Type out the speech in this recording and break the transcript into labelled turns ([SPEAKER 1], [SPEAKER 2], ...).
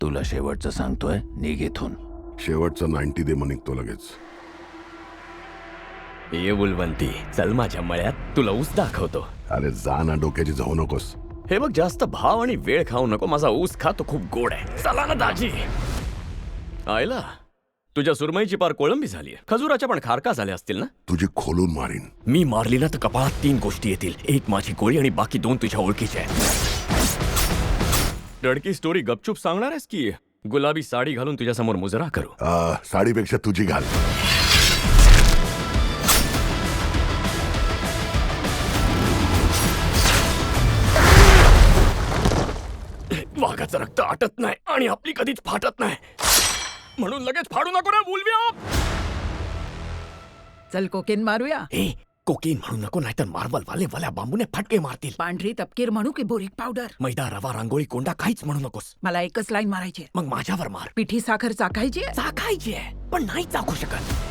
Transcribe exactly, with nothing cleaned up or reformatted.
[SPEAKER 1] तुला शेवटचं सांगतोय, निघ इथून.
[SPEAKER 2] शेवटचं नाईन्टी दे मग निघतो लगेच.
[SPEAKER 3] ये बुलवंती, चल माझ्या मळ्यात तुला ऊस दाखवतो.
[SPEAKER 2] अरे जा ना, डोक्याची जाऊ नकोस.
[SPEAKER 3] हे बघ, जास्त भाव आणि वेळ खाऊ नको. माझा ऊस खा, तो खूप गोड आहे. चला ना दाजी. आयला, तुझ्या सुरमईची पार कोळंबी झाली. खजुराच्या पण खारका झाल्या असतील ना?
[SPEAKER 2] तुझी खोलून मारीन.
[SPEAKER 3] मी मारली ना तर कपाळात तीन गोष्टी येतील. एक माझी गोळी आणि बाकी दोन तुझ्या ओळखीच्या आहेत. लडकी स्टोरी गपचूप सांगणार आहेस की गुलाबी साडी घालून तुझ्या समोर मुजरा करू?
[SPEAKER 2] आ, साडीपेक्षा तुझी घाल.
[SPEAKER 3] वाघाचं रक्त आटत नाही आणि आपली कधीच फाटत नाही, म्हणून लगेच फाडू नको ना बुलव्या.
[SPEAKER 4] चल कोकेन मारूया.
[SPEAKER 3] ए, कोकीन म्हणू नको, नाहीतर मार्बल वाले वाल्या बांबूने फटके मारतील.
[SPEAKER 4] पांढरी तपकीर म्हणू की बोरिक पावडर?
[SPEAKER 3] मैदा, रवा, रांगोळी, कोंडा काहीच म्हणू नकोस.
[SPEAKER 4] मला एकच लाईन मारायची आहे.
[SPEAKER 3] मग माझ्यावर मार.
[SPEAKER 4] पिठी साखर चाकायची आहे?
[SPEAKER 3] चाकायची आहे, पण नाही चाकू शकत.